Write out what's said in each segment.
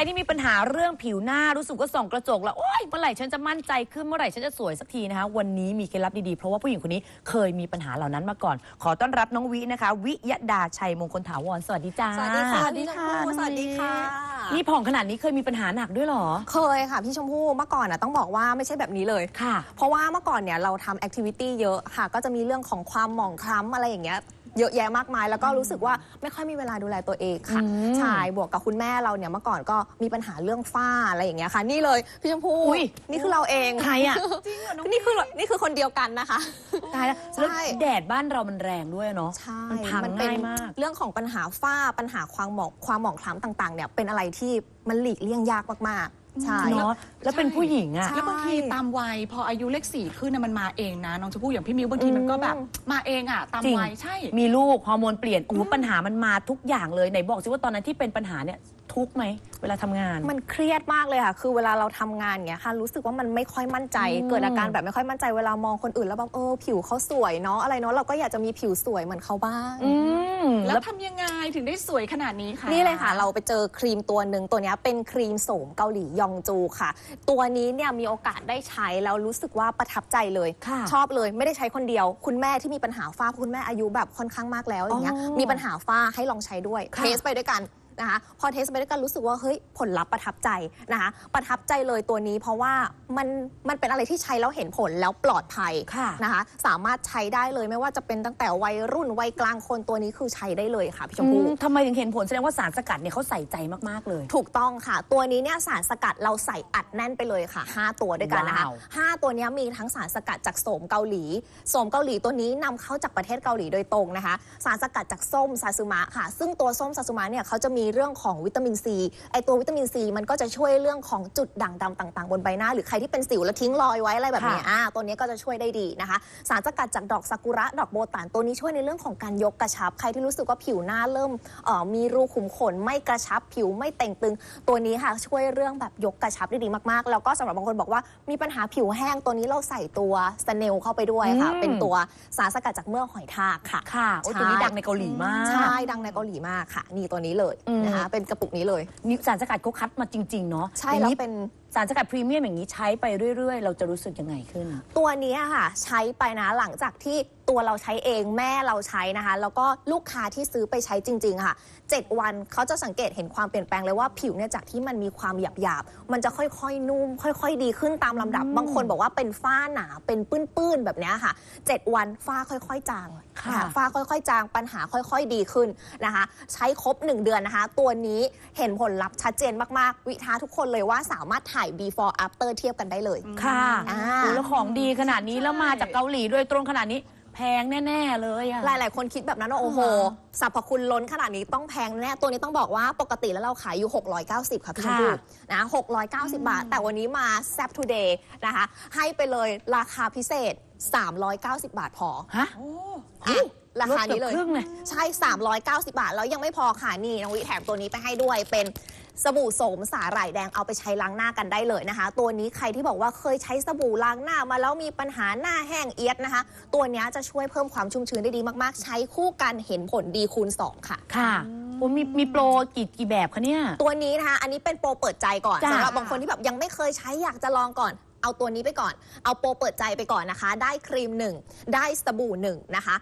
ที่มีปัญหาเรื่องผิวหน้ารู้สึกว่าส่องกระจกแล้วโอ๊ยเมื่อไหร่ฉันจะมั่นใจขึ้นเมื่อไหร่ฉันจะสวยสักทีนะคะวันนี้มีเคล็ดลับดีๆเพราะว่าผู้หญิงคนนี้เคยมีปัญหาเหล่านั้นมาก่อนขอต้อนรับน้องวินะคะวิยดาชัยมงคลถาวรสวัสดีจ้าสวัสดีค่ะพี่ชมพู่สวัสดีค่ะนี่ผ่องขนาดนี้เคยมีปัญหาหนักด้วยหรอเคยค่ะพี่ชมพู่เมื่อก่อนต้องบอกว่าไม่ใช่แบบนี้เลยค่ะเพราะว่าเมื่อก่อนเนี่ยเราทำแอคทิวิตี้เยอะค่ะก็จะมีเรื่องของความหมองคล้ำอะไรอย่างเงี้ยเยอะแยะมากมายแล้วก็รู้สึกว่าไม่ค่อยมีเวลาดูแลตัวเองค่ะใช่บวกกับคุณแม่เราเนี่ยเมื่อก่อนก็มีปัญหาเรื่องฝ้าอะไรอย่างเงี้ยค่ะนี่เลยพี่ชมพู่นี่คือเราเองใครอ่ะนี่คือคนเดียวกันนะคะตายแล้วแดดบ้านเรามันแรงด้วยเนาะใช่มันพังง่ายมากเรื่องของปัญหาฝ้าปัญหาความหมองคล้ำต่างๆเนี่ยเป็นอะไรที่มันหลีกเลี่ยงยากมากๆใช่เนาะแล้วเป็นผู้หญิงอะแล้วบางทีตามวัยพออายุเลข4ขึ้นมันมาเองนะน้องชมพู่อย่างพี่มิวบางทีมันก็แบบมาเองอะตามวัยใช่มีลูกฮอร์โมนเปลี่ยนปัญหามันมาทุกอย่างเลยไหนบอกสิว่าตอนนั้นที่เป็นปัญหาเนี่ยทุกข์ไหมเวลาทำงานมันเครียดมากเลยค่ะคือเวลาเราทำงานเงี้ยค่ะรู้สึกว่ามันไม่ค่อยมั่นใจเกิดอาการแบบไม่ค่อยมั่นใจเวลามองคนอื่นแล้วแบบผิวเขาสวยเนาะอะไรเนาะเราก็อยากจะมีผิวสวยเหมือนเขาบ้างแล้วทำยังไงถึงได้สวยขนาดนี้คะนี่เลยค่ะเราไปเจอครีมตัวหนึ่งตัวนี้เป็นครีมโสมเกาหลียองจูค่ะตัวนี้เนี่ยมีโอกาสได้ใช้แล้วรู้สึกว่าประทับใจเลยชอบเลยไม่ได้ใช้คนเดียวคุณแม่ที่มีปัญหาฝ้าคุณแม่อายุแบบค่อนข้างมากแล้วอย่างเงี้ยมีปัญหาฝ้าให้ลองใช้ด้วยเทสไปด้วยกันนะคะพอเทสไปด้วยกันรู้สึกว่าเฮ้ยผลลัพธ์ประทับใจนะคะประทับใจเลยตัวนี้เพราะว่ามันเป็นอะไรที่ใช้แล้วเห็นผลแล้วปลอดภัยนะคะสามารถใช้ได้เลยไม่ว่าจะเป็นตั้งแต่วัยรุ่นวัยกลางคนตัวนี้คือใช้ได้เลยค่ะพี่ชมพู่ทำไมถึงเห็นผลแสดงว่าสารสกัดเนี่ยเขาใส่ใจมากๆเลยถูกต้องค่ะตัวนี้เนี่ยสารสกัดเราใส่อัดแน่นไปเลยค่ะ5ตัวด้วยกันนะคะ5ตัวนี้มีทั้งสารสกัดจากโสมเกาหลีตัวนี้นำเข้าจากประเทศเกาหลีโดยตรงนะคะสารสกัดจากส้มซาซึมะค่ะซึ่งตัวส้มซาซึมะเนี่ยเขาจะมีเรื่องของวิตามินซีไอตัววิตามินซีมันก็จะช่วยเรื่องของจุดด่างดำต่างๆบนใบหน้าหรือใครที่เป็นสิวแล้วทิ้งรอยไว้อะไรแบบนี้ตัวนี้ก็จะช่วยได้ดีนะคะสารสกัดจากดอกซากุระดอกโบตานตัวนี้ช่วยในเรื่องของการยกกระชับใครที่รู้สึกว่าผิวหน้าเริ่มมีรูขุมขนไม่กระชับผิวไม่เต่งตึงตัวนี้ค่ะช่วยเรื่องแบบยกกระชับได้ดีมากๆแล้วก็สำหรับบางคนบอกว่ามีปัญหาผิวแห้งตัวนี้เราใส่ตัวสเนลเข้าไปด้วยค่ะเป็นตัวสารสกัดจากเมือกหอยทากค่ะตัวนี้ดังในเกาหลีมากใช่ดังในเกาหลีมากค่ะนี่ตัวนี้เลยนะคะเป็นกระปุกนี้เลยนี่สารสกัดเขาคัดมาจริงๆเนาะใช่แล้วเป็นสารสกัดพรีเมียมอย่างนี้ใช้ไปเรื่อยๆเราจะรู้สึกยังไงขึ้นตัวนี้ค่ะใช้ไปนะหลังจากที่ตัวเราใช้เองแม่เราใช้นะคะแล้วก็ลูกค้าที่ซื้อไปใช้จริงๆค่ะ7 วันเขาจะสังเกตเห็นความเปลี่ยนแปลงเลยว่าผิวเนี่ยจากที่มันมีความหยาบๆมันจะค่อยๆนุ่มค่อยๆดีขึ้นตามลำดับบางคนบอกว่าเป็นฝ้าหนาเป็นปื้นๆแบบนี้ค่ะ7 วันฝ้าค่อยๆจางฝ้าค่อยๆจางปัญหาค่อยๆดีขึ้นนะคะใช้ครบ1 เดือนนะคะตัวนี้เห็นผลลัพธ์ชัดเจนมากๆวิท้าทุกคนเลยว่าสามารถถ่าย before after เทียบกันได้เลยค่ะแล้วของดีขนาดนี้แล้วมาจากเกาหลีโดยตรงขนาดนี้แพงแน่ๆเลยหลายๆคนคิดแบบนั้นว่าโอ้โหสรรพคุณล้นขนาดนี้ต้องแพงแน่ตัวนี้ต้องบอกว่าปกติแล้วเราขายอยู่690ค่ะพี่ชมพู่นะ690 บาทแต่วันนี้มาแซ่บทูเดย์นะคะให้ไปเลยราคาพิเศษ390 บาทพอฮะราคานี้เลยใช่390 บาทแล้วยังไม่พอค่ะนี่น้องวิแถมตัวนี้ไปให้ด้วยเป็นสบู่โสมสาหร่ายแดงเอาไปใช้ล้างหน้ากันได้เลยนะคะตัวนี้ใครที่บอกว่าเคยใช้สบู่ล้างหน้ามาแล้วมีปัญหาหน้าแห้งเอียดนะคะตัวนี้จะช่วยเพิ่มความชุ่มชื้นได้ดีมากๆใช้คู่กันเห็นผลดีคูณ2ค่ะค่ะมีโปรกี่แบบคะเนี่ยตัวนี้นะคะอันนี้เป็นโปรเปิดใจก่อนสำหรับบางคนที่แบบยังไม่เคยใช้อยากจะลองก่อนเอาตัวนี้ไปก่อนเอาโปรเปิดใจไปก่อนนะคะได้ครีม1ได้สบู่1นะคะ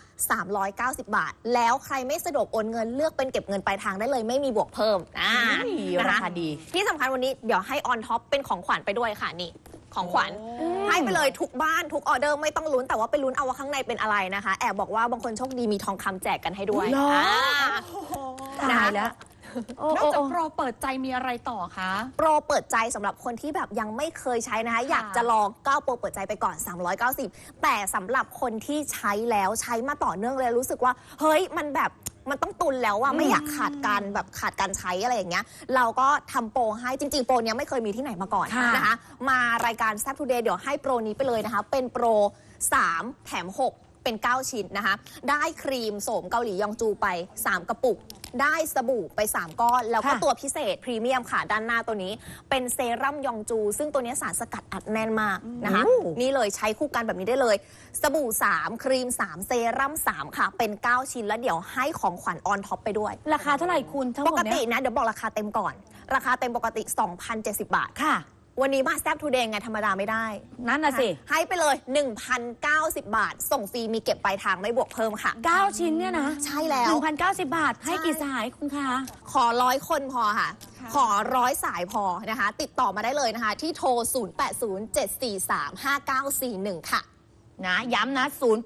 390 บาทแล้วใครไม่สะดวกโอนเงินเลือกเป็นเก็บเงินปลายทางได้เลยไม่มีบวกเพิ่มราคาดีที่สำคัญวันนี้เดี๋ยวให้ออนท็อปเป็นของขวัญไปด้วยค่ะนี่ของขวัญให้ไปเลยทุกบ้านทุกออเดอร์ไม่ต้องลุ้นแต่ว่าไปลุ้นเอาว่าข้างในเป็นอะไรนะคะแอบบอกว่าบางคนโชคดีมีทองคำแจกกันให้ด้วยตายแล้วนอกจากโปรเปิดใจมีอะไรต่อคะโปรเปิดใจสำหรับคนที่แบบยังไม่เคยใช้นะคะอยากจะลองก็โปรเปิดใจไปก่อน390แต่สำหรับคนที่ใช้แล้วใช้มาต่อเนื่องเลยรู้สึกว่าเฮ้ยมันต้องตุนแล้วอะไม่อยากขาดการใช้อะไรอย่างเงี้ยเราก็ทำโปรให้จริงๆโปรเนี้ยไม่เคยมีที่ไหนมาก่อนนะคะมารายการแซ่บทูเดย์เดี๋ยวให้โปรนี้ไปเลยนะคะเป็นโปร3แถม6เป็น9 ชิ้นนะคะได้ครีมโสมเกาหลียองจูไป3 กระปุกได้สบู่ไป3 ก้อนแล้วก็ตัวพิเศษพรีเมียมค่ะด้านหน้าตัวนี้เป็นเซรั่มยองจูซึ่งตัวนี้สารสกัดอัดแน่นมากนะคะนี่เลยใช้คู่กันแบบนี้ได้เลยสบู่3ครีม3เซรั่ม3ค่ะเป็น9 ชิ้นแล้วเดี๋ยวให้ของขวัญออนท็อปไปด้วยราคาเท่าไหร่คุณทั้งหมดปกตินะเดี๋ยวบอกราคาเต็มก่อนราคาเต็มปกติ 2,070 บาทค่ะวันนี้มาแซ่บทูเดย์ไงธรรมดาไม่ได้นั่นน่ะสิให้ไปเลย 1,090 บาท ส่งฟรีมีเก็บปลายทางไม่บวกเพิ่มค่ะ 9 ชิ้นเนี่ยนะใช่แล้ว 1,090 บาท ให้กี่สายคุณคะขอ100 คนพอค่ะ ขอ100 สายพอนะคะ ติดต่อมาได้เลยนะคะ ที่โทร 0807435941 ค่ะนะย้ำนะ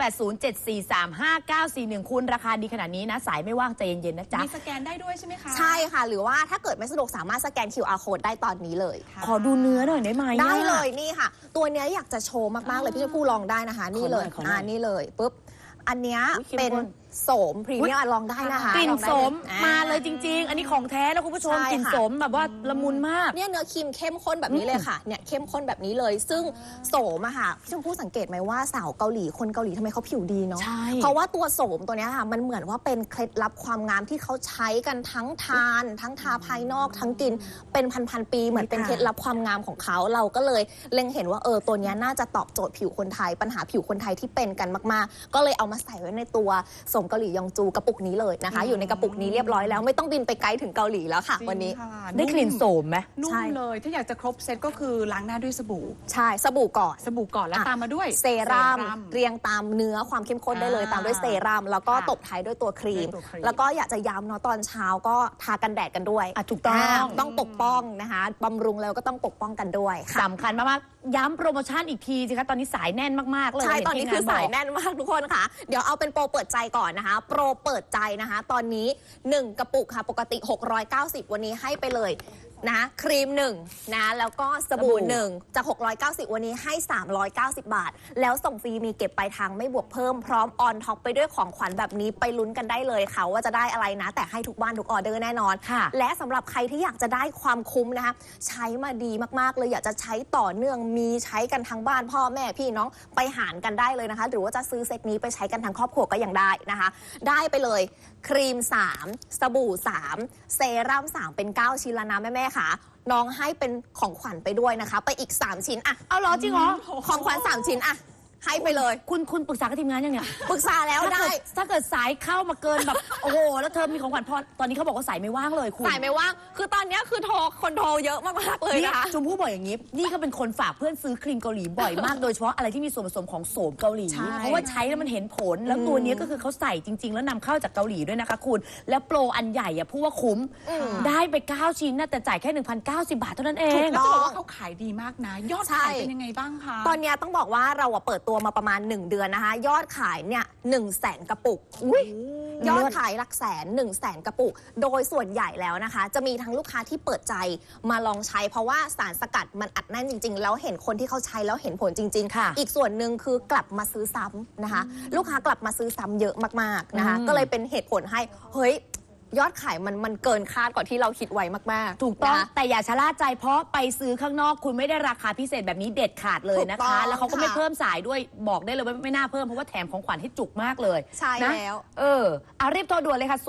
0807435941 คุณราคาดีขนาดนี้นะ สายไม่ว่างใจเย็นๆนะจ๊ะมีสแกนได้ด้วยใช่ไหมคะใช่ค่ะ หรือว่าถ้าเกิดไม่สะดวกสามารถสแกน QR code ได้ตอนนี้เลยค่ะขอดูเนื้อหน่อยได้ไหมได้เลยนี่ค่ะ ตัวเนี้ยอยากจะโชว์มาก ๆ เลยพี่ผู้ลองได้นะคะ นี่เลยขอหน่อยนี่เลยปุ๊บอันเนี้ยอุ๊ยเข้มเป็นข้นโสมพรีเมียมลองได้นะคะกลิ่นลองได้สมอ่มาเลยจริง ๆ อันนี้ของแท้แล้วคุณผู้ชมใช่กลิ่นค่ะสมแบบว่าละมุนมากเนี่ยเนื้อครีมเข้มข้นแบบนี้เลยค่ะเนี่ยเข้มข้นแบบนี้เลย ซึ่งโสมอะค่ะพี่ชมพู่สังเกตไหมว่าสาวเกาหลีคนเกาหลีทำไมเขาผิวดีเนาะใช่เพราะว่าตัวโสมตัวเนี้ยค่ะมันเหมือนว่าเป็นเคล็ดลับความงามที่เขาใช้กันทั้งทาน ทั้งทาภายนอกทั้งกินเป็นพันๆปีเหมือนเป็นเคล็ดลับความงามของเขาเราก็เลยเล็งเห็นว่าตัวเนี้ยน่าจะตอบโจทย์ผิวคนไทยปัญหาผิวคนไทยที่เป็นกันมากๆ ก็เลยเอามาใส่ไว้ในตัวโสมเกาหลียองจูกระปุกนี้เลยนะคะ อยู่ในกระปุกนี้เรียบร้อยแล้วไม่ต้องบินไปไกลถึงเกาหลีแล้วค่ะจริงวันนี้ค่ะได้กลิ่นโสมไหมนุ่ใช่มเลย ถ้าอยากจะครบเซตก็คือล้างหน้าด้วยสบู่ใช่สบู่ก่อนสบู่ก่อนแล้วตามมาด้วยเซรั่มเรียงตามเนื้อความเข้มข้นได้เลย ตามด้วยเซรั่มแล้วก็ค่ะตบท้ายด้วยตัวครีมด้วยตัวครีมแล้วก็อยากจะย้ำเนาะตอนเช้าก็ทากันแดดกันด้วยถูกต้องต้องปกป้องนะคะบำรุงแล้วก็ต้องปกป้องกันด้วยค่ะสำคัญมากๆย้ำโปรโมชั่นอีกทีสิคะตอนนี้สายแน่นมากๆเลยใช่เห็ตอนนี้ทีมคืองบสายกแน่นมากทุกคนค่ะ เดี๋ยวเอาเป็นโปรเปิดใจก่อนนะคะ โปรเปิดใจนะคะ ตอนนี้ 1 กระปุกค่ะปกติ 690 วันนี้ให้ไปเลยนะครีม1นะแล้วก็สบู่1จาก 690 วันนี้ให้ 390 บาท แล้วส่งฟรีมีเก็บปลายทางไม่บวกเพิ่มพร้อมออนท็อปไปด้วยของขวัญแบบนี้ไปลุ้นกันได้เลยค่ะว่าจะได้อะไรนะ แต่ให้ทุกบ้านทุกออเดอร์แน่นอนค่ะและสำหรับใครที่อยากจะได้ความคุ้มนะคะใช้มาดีมากๆเลยอยากจะใช้ต่อเนื่องมีใช้กันทั้งบ้านพ่อแม่พี่น้องไปหารกันได้เลยนะคะ หรือว่าจะซื้อเซตนี้ไปใช้กันทั้งครอบครัวก็ยังได้นะคะ ได้ไปเลยครีม3สบู่3เซรั่ม3เป็น9ชิ้นแล้วนะแม่ๆค่ะน้องให้เป็นของขวัญไปด้วยนะคะ ไปอีก3ชิ้นอะเอาเหรอจริงเหรอของขวัญ3ชิ้นอะให้ไปเลยคุณปรึกษากับทีมงานยังเนี่ยปรึกษาแล้วได้ถ้าเกิดสายเข้ามาเกินแบบ โอ้โหแล้วเธอมีของขวัญพอตอนนี้เขาบอกว่าสายไม่ว่างเลยคุณสายไม่ว่างคือตอนเนี้ยคือคนโทรเยอะมากๆเลยนี่นะคะชมพู่บอกอย่างนี้ นี่ก็เป็นคนฝากเพื่อนซื้อครีมเกาหลีบ่อยมาก โดยเฉพาะอะไรที่มีส่วนผสมของโสมเกาหลีใช่เพราะว่าใช้แล้วมันเห็นผล แล้วตัวเนี้ยก็คือเขาใส่จริง ๆ แล้วนำเข้าจากเกาหลีด้วยนะคะคุณ แล้วโปรอันใหญ่อะพูดว่าคุ้ม ได้ไป 9 ชิ้นนะแต่จ่ายแค่ 1,090 บาทเท่านั้นเองแล้วจะบอกว่าเขาขายดีมากนะ ยอดใช่ขายเป็นยังไงบ้างคะตอนเนี้ยต้องบอกว่าเราเปิดตัวมาประมาณ 1 เดือนนะคะ ยอดขายเนี่ย100,000 กระปุกอุ๊ยยอดขายหลักแสน100,000 กระปุก โดยส่วนใหญ่แล้วนะคะ จะมีทั้งลูกค้าที่เปิดใจมาลองใช้ เพราะว่าสารสกัดมันอัดแน่นจริง ๆ แล้วเห็นคนที่เขาใช้แล้วเห็นผลจริงค่ะๆ อีกส่วนหนึ่งคือกลับมาซื้อซ้ำนะคะ ลูกค้ากลับมาซื้อซ้ำเยอะมากๆนะคะ ก็เลยเป็นเหตุผลให้เฮ้ยยอดขายมันเกินคาดกว่าที่เราคิดไว้มากๆถูกต้องนะแต่อย่าชะล่าใจเพราะไปซื้อข้างนอกคุณไม่ได้ราคาพิเศษแบบนี้เด็ดขาดเลยนะถูกต้คะองแล้วเขาก็ไม่ค่ะเพิ่มสายด้วยบอกได้เลยว่าไม่น่าเพิ่มเพราะว่าแถมของขวัญให้จุกมากเลยใช่นะแล้วเอารีบโทรด่วนเลยค่ะ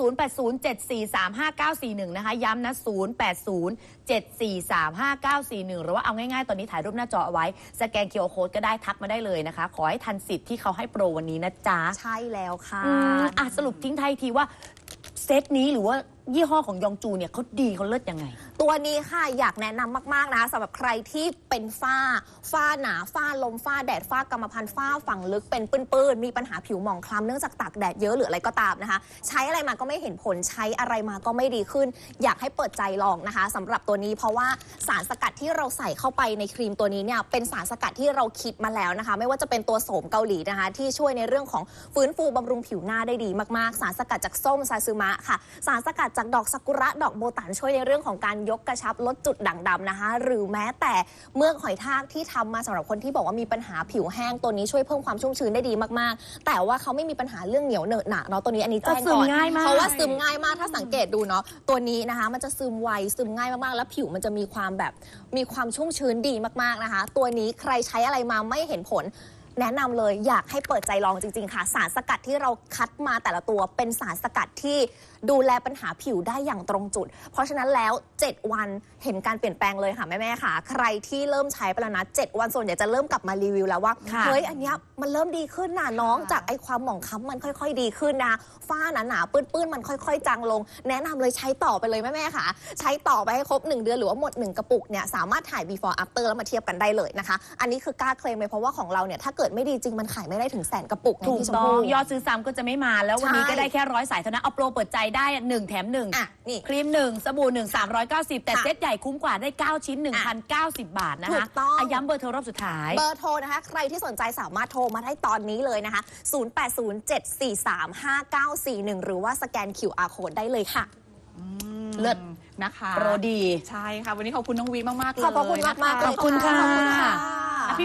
0807435941 นะคะ ย้ำนะ 0807435941 หรือว่าเอาง่ายๆ ตอนนี้ถ่ายรูปหน้าจอเอาไว้ สแกน QR Code ก็ได้ทักมาได้เลยนะคะ ขอให้ทันสิทธิ์ที่เขาให้โปรวันนี้นะจ๊ะใช่แล้วค่ะสรุปทิ้งท้ายทีว่าเซตนี้หรือว่ายี่ห้อของยองจูเนี่ยเขาดีเขาเลิศยังไงตัวนี้ค่ะอยากแนะนำมากๆนะคะสำหรับใครที่เป็นฝ้าหนาฝ้าลมฝ้าแดดฝ้ากรรมพันธุ์ฝ้าฝังลึกเป็นปื้นๆมีปัญหาผิวหมองคล้ำเนื่องจากตากแดดเยอะหรืออะไรก็ตามนะคะ ใช้อะไรมาก็ไม่เห็นผลใช้อะไรมาก็ไม่ดีขึ้น อยากให้เปิดใจลองนะคะสำหรับตัวนี้เพราะว่าสารสกัดที่เราใส่เข้าไปในครีมตัวนี้เนี่ยเป็นสารสกัดที่เราคิดมาแล้วนะคะ ไม่ว่าจะเป็นตัวโสมเกาหลีนะคะ ที่ช่วยในเรื่องของฟื้นฟูบำรุงผิวหน้าได้ดีมากๆ สารสกัดจากส้มซาซึมะค่ะสารสกัดจากดอกซากุระดอกโบตันช่วยในเรื่องของการยกกระชับลดจุดด่างดำนะคะ หรือแม้แต่เมือกหอยทากที่ทำมาสำหรับคนที่บอกว่ามีปัญหาผิวแห้งตัวนี้ช่วยเพิ่มความชุ่มชื้นได้ดีมากๆ แต่ว่าเขาไม่มีปัญหาเรื่องเหนียวเหนอะหนะเนาะตัวนี้อันนี้แจ้งซึก่มอนง่ายมากเพราะว่าซึมง่ายมากถ้าสังเกตดูเนาะตัวนี้นะคะมันจะซึมไวซึมง่ายมากๆแล้วผิวมันจะมีความชุ่มชื้นดีมากๆนะคะ ตัวนี้ใครใช้อะไรมาไม่เห็นผล แนะนำเลยอยากให้เปิดใจลองจริงๆค่ะสารสกัดที่เราคัดมาแต่ละตัวเป็นสารสกัดที่ดูแลปัญหาผิวได้อย่างตรงจุดเพราะฉะนั้นแล้ว7วันเห็นการเปลี่ยนแปลงเลยค่ะแม่ๆค่ะใครที่เริ่มใช้ไปแล้วนะ7วันส่วนใหญ่จะเริ่มกลับมารีวิวแล้วว่าค่ะเฮ้ยอันเนี้ยมันเริ่มดีขึ้นนะน้องจากไอ้ความหมองคล้ำมันค่อยๆดีขึ้นนะฝ้าหนาๆปื้นๆมันค่อยๆจางลงแนะนำเลยใช้ต่อไปเลยแม่ๆค่ะใช้ต่อไปให้ครบ1เดือนหรือว่าหมด1กระปุกเนี่ยสามารถถ่าย before after แล้วมาเทียบกันได้เลยนะคะอันนี้คือกล้าเคลมเลยเพราะว่าของเราเนี่ยถ้าเกิดไม่ดีจริงมันขายไม่ได้ถึง100,000กระปุกไงถูกพี่ชมต้องพู่ยอดซื้อซ้ำก็จะไม่มาแล้ววันนี้ใช่ก็ได้แค่100 สายเท่านั้นเอาโปรเปิดใจได้1 แถม 1 อ่ะนี่ครีม 1 สบู่ 1 390 แต่ค่ะเซตใหญ่คุ้มกว่าได้ 9 ชิ้น 1,090 บาทนะถูคะกต้องย้ำเบอร์โทรรอบสุดท้ายเบอร์โทรนะคะใครที่สนใจสามารถโทรมาได้ตอนนี้เลยนะคะ 0807435941 หรือว่าสแกน QR code ได้เลยค่ะเลิศนะคะโปรดีใช่ค่ะ วันนี้ขอบคุณน้องวีมากๆเลยขอบพระคุณมากๆนเลยขอบคุณค่ะขอบคุณค่ะ